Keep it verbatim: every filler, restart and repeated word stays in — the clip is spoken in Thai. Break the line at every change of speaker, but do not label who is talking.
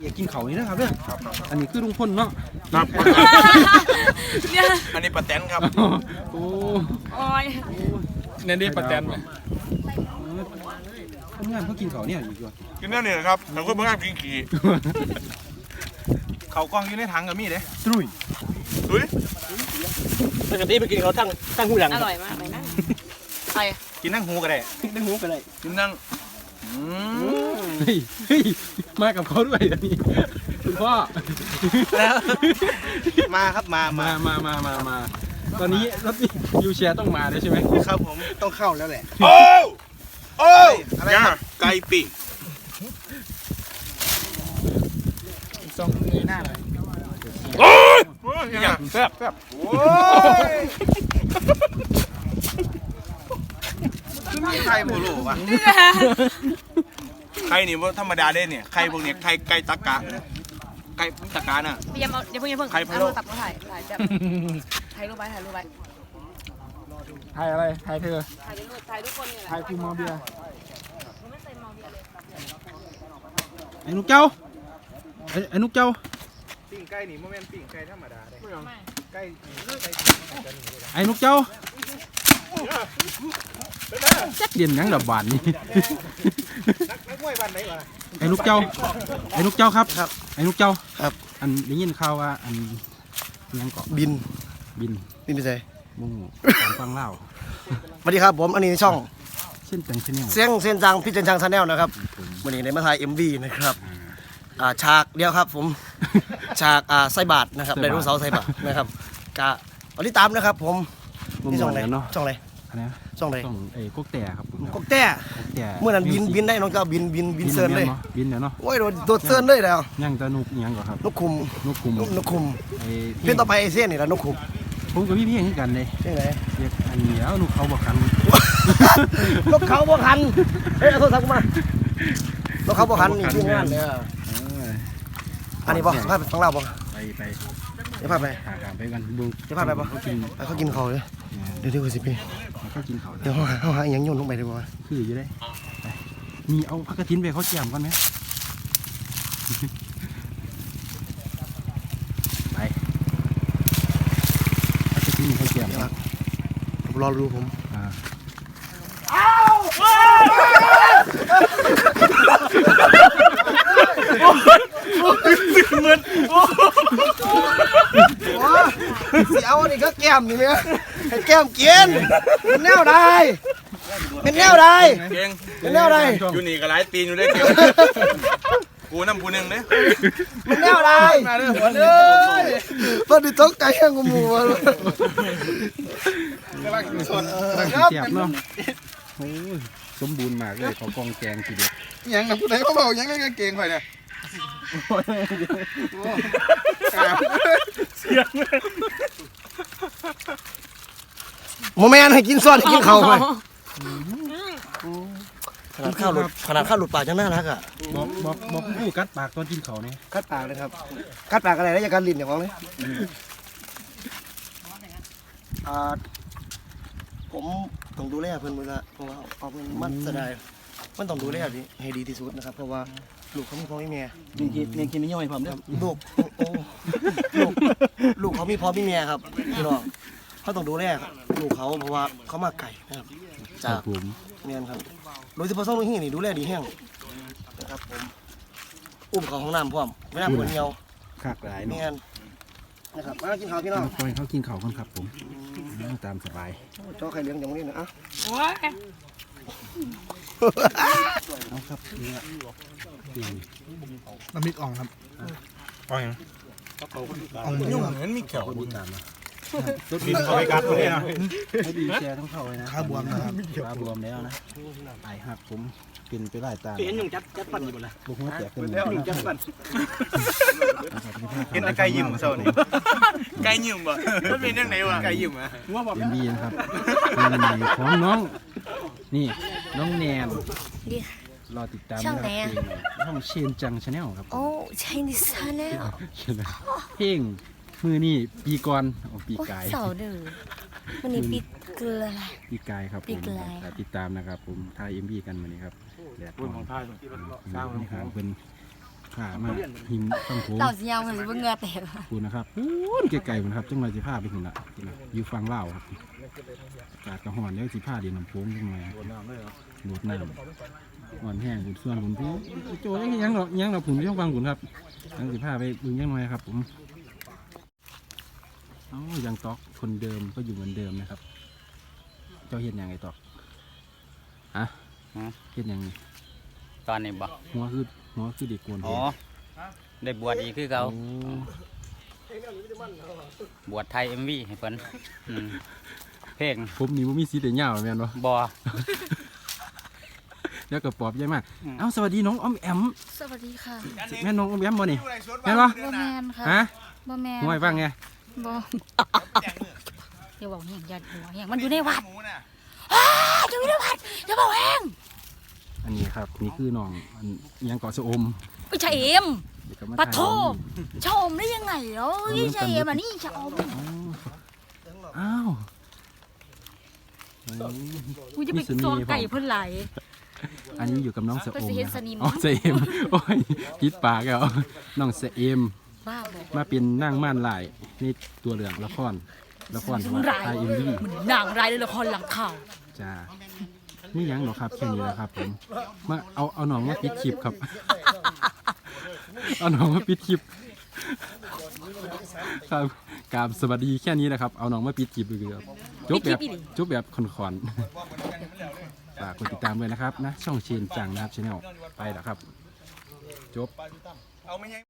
อยากกินเขานี่นะครับเนี่ยอันนี้คือลุงพลเนาะ
ครับอันนี้ปลาแตนครับ
โอ้
ย
เนี่ยนี่ปลาแตน
ทำงานเขากินเขาเนี่ยอยู่ด้วย
กินแน่เนี่ยครับแต่ก็เมื่อกี้กินขี่เขากล้องอยู่ในถังกับมีเด้ตุยตุย
ปกติไปกินเขาตั้งตั้งหูหลัง
อร่อยมากเลยนะใคร
กินนั่งหูก็ได้
นั่งหูก็ได้
กินนั่ง
เฮ้ยเฮ้ยมากับเขาด้วยอันนี้คุณพ่อ
มาครับมา
มามามามามาตอนนี้รถยูแชร์ต้องมาเลยใช่ไหม
ครับผมต้องเข้าแล้วแหละโอ้โอ้อะไรไก่ปีก
ซองเงยหน้าเลย
โอ้ยอย่างแซ่บแซ่บโอ้ยไข่โมโลวะไข่นี่ว่าธรรมดาได้เนี่ยไข่พวกเนี้ยไข่ไก่ตะกะไก่ตะกะน่ะ
อย่ามาอย่าเพิ่งอย่าเพิ่งไข่พะโล้ตับมาถ่ายถ่ายแบบถ่ายรูปไว้ถ่ายรูปไว้
ถ่ายอะไรถ่ายเธอ
ถ่ายรูปถ่ายทุกคนเนี่ย
ถ่ายคุณมอเบีย
ไอ้นุกเจ้าไอ้ไอ้นุกเจ้า
ปิ้งไก่นี่โมเมนต์ปิ้งไก่ธรรมดาเลยไก่
ไอ้นุกเจ้าจักเด่นยังดับบานนี่ไอ้นุกเจ้าไอ้นุกเจ้าครับครับไอ้นุกเจ้า
ครับ
อันได้ยินข่าวว่าอันยังเกาะ
บิน
บิน
บินไปไหน
มุ่งฟังเล่า
สวัสดีครับผมอันนี้ช่อง
เส้นจังชาแนล
เสียงเส้นจังพี่เจนจังชาแนลนะครับวันนี้ในมาถ่าย เอ็ม วี นะครับอ่าฉากเดียวครับผมฉากอ่าไซบาทนะครับไดโนเสาร์ไซบาทนะครับกะเอาที่ตามนะครับผม
นี่ช่องไหนเนาะ
ช่องไหน
อันนี้
ช่องไหน
ช่องไอ้ก๊กแต่ครับ
ก๊กแต่เมื่อนั้นบินบินได้น้องเจ้าบินบินบินเซิร์นเลย
บินเนาะ
โอ้ยโดดเซิร์นเลยแล้ว
ยังจะนุกยังก่อนครับ
นกคุม
นกคุม
นกคุม
ไอ้
เพื่อนต่อไปไอเซียนนี่แหละนกคุม
ผมกับพี่พี่อย่างกันเลย
ใช่ไหม
เรียกอันนี้แล้วนกเขาบอกคัน
นกเขาบอกคันเฮ้ยเอาโทรศัพท์มานกเขาบอกคันนี่ที่งานเลยอันนี้บอกพาไปฟังเล่าบอก
ไปไป
เดี๋ยวพาไป
ไปกันดู
เดี๋ยวพาไปบอกเขากินเขากินเขาเลยเดี๋ยวเดี๋ยวสิพี่
เขากินเขา
เดี๋ยวเขาหาเขาหาอย่างโยนลงไปดีกว่า
คืออยู่ได้มีเอาพักกระถินไปเขาแจมก่อนไหมไปพักกระถินเขาแจม
ผมรอดูผม
อ้าว
เหมือนเสียวนี่ก็แก้มนี่ไหมให้แก้มเกียนเป็นแนวใดเป็นแนวใด
เก่ง
เป็นแนวใด
อยู่นี่ก็หลายปีอยู่ได้เก่งกูน้ำกูหนึ่งเนี่ย
เป็นแนวใดเลยตอนนี้ตกใจยังกูมัวเลย
กำลังสดเสียบเนาะโอ้ยสมบูรณ์มากเลยเขากองแกงทีเดียว
ยังนะผู้ใดเขาบอกยังเล่นเก่งไปเนี่ย
เสียงโมเมนต์ให้กินซอสให้กินข้าวไปขนาดข้าวหลุดขนาดข้าวหลุดปากยังน่ารักอ่ะ
บอกบอกบอกผู้กัดปากตอนกินเขาเนี่ย
กัดปากเลยครับกัดปากอะไรแล้วอย่าการลิ้นอย่างของเลยอ่าผมต้องดูแลเพื่อนมือละเพราะว่าเอาเพื่อนมันแสดงมันต้องดูแลดีให้ดีที่สุดนะครับเพราะว่าลูกเขามีพ่อมีแม่
นี่กินนี่กินไม่ย่อยผมด้วย
ลูกโอ้ลูกลูกเขามีพ่อมีแม่ครับพี่น้องเขาต้องดูแลลูกเขาเพราะว่าเขามาไก่นะครับจากเมียนครับโดยเฉพาะซ่องลูกหิ้งนี่ดูแลดีแห้งนะครับผมอุ้มเขาห้องน้ำพร้อมไม่น่าปวดเหี่ยว
ขากหลาย
เมียนนะครับมากินข้าวพี่น้อง
ปล่อยเขากินข้าวกันครับผมตามสบาย
เจ้าไข่เลี้ยงอย่างนี้นะอ่ะ
เอาครับนี่
น้ำพริกอ่องครับ
อ่อง
อ่อง
ยุ่งเหมือนมีแขว
บุญตามนะ
รถบินเขาไปกัดตัวนี้นะ
ให้ดีแชร์ต้องเข้าเลยนะ
ข้าวบวมนะครับ
ข้าวบวมแล้วนะไอ้หักผมกินไปหลายตา
เห็นยุ่งจับจับปั่นอยู่บนเลย
บุกหัวแตกเป็น
ยุ่งจับปั่น
เห็นไก่ยิ้มเศร้านี่ไก่ยิ้มบ่มันเป็นยังไงวะไก่ยิ้มอ่ะ
เป็นดีนะครับเป็นใหม่ของน้องนี่น้องแนนรอติดตามนะครับช่องเชนจังชาแนลครับ
โอ้เชนชาแนล
เพลงมือนี่ปีก่อนปีกาย
เสาเดือวันนี้ปีเกลืออะไร
ปีกายครับผมติดตามนะครับผมถ่ายเอ็มวีกันวันนี้ครับแดดของท่ายสร้างนี่ครับเป็นขามาหิมฟังโขง
เต่าสียาวเหมือนเงือแตก
ปูนะครับปูนไกลๆมันครับจังไรสิพาไปถึงละอยู่ฟังเล่าวครับอากาศกระห่อนเดี๋ยวสิพาเดินน้ำโขงจังไรโดดน้ำเลยครับโดดน้ำอ่อนแห้งบุญส่วนบุญพี่โจ้ยยังเรายังเราผุนที่ต้องฟังบุญครับยังสิพาไปบึงยังไงครับผมเอ้ายังตอกคนเดิมก็อยู่เหมือนเดิมนะครับเจ้าเห็นยังไงตอกฮะเห็นยังไง
ตอนนี้บ่
หัวคือหัวคือเด็กโกน
อ๋อได้บวชอีกคือเขา
โอ้
บวชไทยเอ็มวีให้เพิ่นอืมเพลง
ผมนี่บ่มีสีแต่เหย้าแม่นบ่
บ่
แล้วก็ปอบใหญ่มากเอ้าสวัสดีน้องอ้อมแอม
สวัสดีค่ะ
แม่น้องอ้อมแอมบ่นี่แม่นบ่
บ่แมนค่ะ
ฮะ
บ่แมน
ห่วยฟังไง
บ่เดี๋ยวบอกแห้งยัดหัวแห้งมันอยู่ในวัด
หมูน่ะ
อยู่ในวัดเดี๋ยวบอกแห้ง
อันนี้ครับนี่คือน้องอันอิหยังเกาะสะอม
ไม่ใช่เอ็ม
เดี๋ยวก็มา
ปะโถ
ถ่าย
ชมได้ยังไงเนาะไม่ใช่เอ็มอันนี้ชม
นี่อ้าวโอ้
กูจะไปซองไก่เพิ่นไหล
อันนี้อยู่กับน้องสะอ
เพิ่น
ม
สิเฮ็ด
นะครับ
สนิม
อ๋อสะเอมโอ้ยคิดปากแล้วน้องสะเอม
บ้าบอก
มาเป็นนางม่านหลายในตัวเรื่องละครละคร
มันร้าย
ไทยเอ็มวี
เหมือนนางร้ายในละครหลังข่าว
จ้านี่ยังเหรอครับแค่นี้นะครับผมมาเอาเอาหนองมาปิดคลิปครับ เอาหนองมาปิดคลิปครับกราบสวัสดีแค่นี้นะครับเอาหนองมาปิดคลิปเลยครับจบแบบจบแบบคอนๆฝากกดติดตามด้วยนะครับนะช่องเชนจังนะครับชาแนลไปแล้วครับจบ
เอาไม่ใช่